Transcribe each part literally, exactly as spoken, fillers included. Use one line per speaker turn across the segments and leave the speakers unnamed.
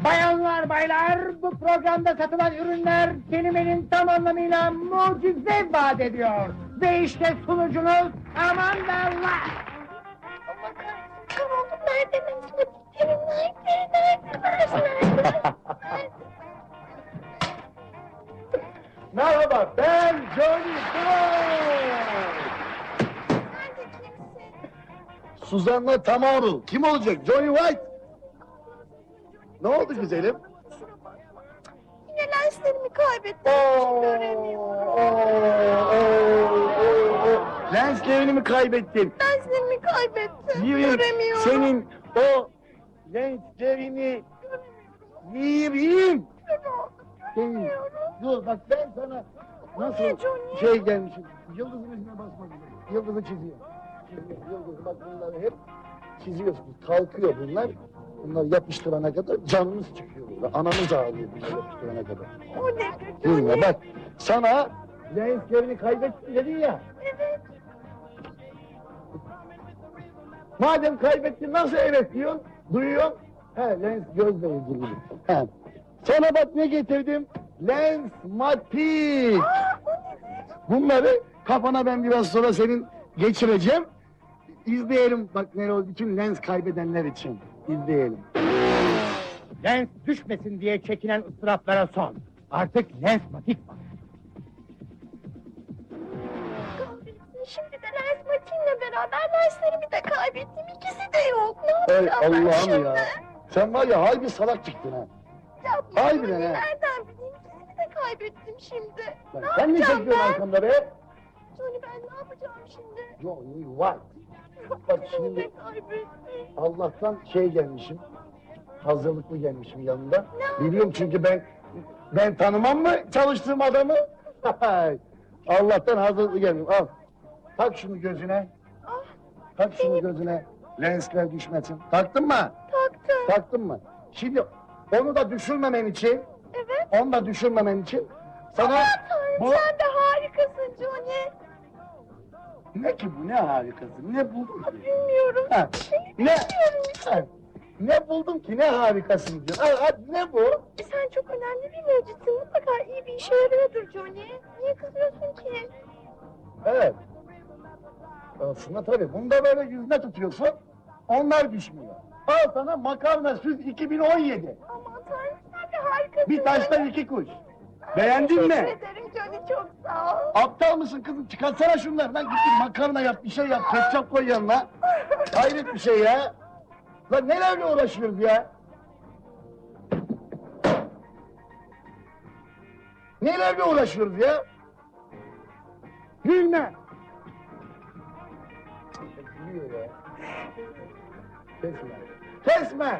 Bayanlar, baylar, bu programda satılan ürünler kelimenin tam anlamıyla mucize vaat ediyor. Ve işte sunucunuz Amanda Light.
Allah kahretsin, kör oldum. Nerede Necmi? Evin layıkları nerede? Nerede?
Merhaba, ben Johnny Boy.
Nerede kimsin?
Suzan'la Tamaru. Kim olacak? Johnny White. Ne oldu güzelim?
Kusura bakma. Yine lenslerimi kaybettim. Hiç göremiyorum.
Lenslerini mi kaybettin?
Lenslerimi kaybettim.
Yiyeyim
Göremiyorum.
senin o lenslerini yiyeyim.
Kör oldum.
Senin.
Göremiyorum.
Dur bak ben sana nasıl
Niye Johnny?
şey gelmişim. Yıldızın üstüne basmak üzere. Yıldızı çiziyor. Çiziyor. Yıldızı bak bunları hep çiziyorsunuz. Kalkıyor bunlar. Bunlar yapıştırana kadar canınız çıkıyor burada. Ananız ağlıyor bunlar yapıştırana kadar.
O nedir
Dinle
Johnny?
bak. Sana lenslerini kaybettin dedin ya.
Evet.
Madem kaybettin nasıl evet diyorsun? Duyuyorsun. He lens gözle ilgili. He. Sana bak ne getirdim? Lens matik.
Aa, o nedir?
Bunları kafana ben biraz sonra senin geçireceğim. İzleyelim bak ne oldu bütün lens kaybedenler için. İzleyelim.
Lens düşmesin diye çekilen ıstıraplara son. Artık lens matik var.
Kahretsin, şimdi de lens matiğimle beraber lenslerimi de kaybettim. İkisi de yok. Ne
Ey
yapacağım ben
Allah'ım
şimdi?
ya. Sen var ya harbi salak çıktın ha.
Yapma,
Harbiden
Johnny,
ha.
nereden bileyim? İkisini de kaybettim şimdi.
Lan
Ne
sen ne
yapacağım
çekiyorsun
ben?
arkamda be?
Johnny, ben ne yapacağım şimdi?
Johnny White. Bak
İkisini
şimdi
de kaybettim.
Allah'tan şey gelmişim. Hazırlıklı gelmişim yanında.
Ne
Biliyorum çünkü ben ben tanımam mı çalıştığım adamı? Allah'tan hazırlıklı geldim. Al. Tak şunu gözüne.
Ah,
Tak şunu gözüne. Lensler düşmesin. Taktın mı?
taktım.
Taktın mı? Şimdi onu da düşürmemen için,
Evet.
onu da düşürmemen için sana
Aman Tanrım,
bu
sen de harikasın Johnny.
ne ki bu ne harikası? Ne buldun
Ah,
ki?
bilmiyorum.
Ha, ne?
Bilmiyorum işte.
Ha, ne buldum ki ne harikasın diyor. Ha, ha, ne bu?
E, sen çok önemli bir mucitsin. Mutlaka iyi bir işe yarıyordur Johnny. Niye kızıyorsun ki?
Evet. Aslında tabii bunu da böyle yüzüne tutuyorsun. Onlar düşmüyor. Al sana makarna süt iki bin on yedi.
Aman Tanrım, sen de harikasın.
Bir taşla
Johnny.
iki kuş. Beğendin
Teşekkür
mi?
ederim Johnny, çok sağ ol.
Aptal mısın kızım? Çıkartsana şunları lan. Git bir makarna yap, bir şey yap. Ketçap koy yanına. Hayret bir şey ya. Lan nelerle uğraşıyoruz ya? Nelerle uğraşıyoruz ya? Gülme! Gülüyor ya. Kesme. Kesme!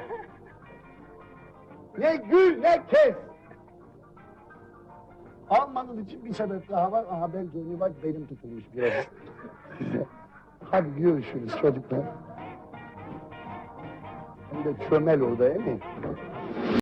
Ne gül ne kes! Almanız için bir sebep daha var. Aha ben Johnny bak benim tutulmuş biraz. Size. Hadi görüşürüz çocuklar. Hem de çömel orada değil mi?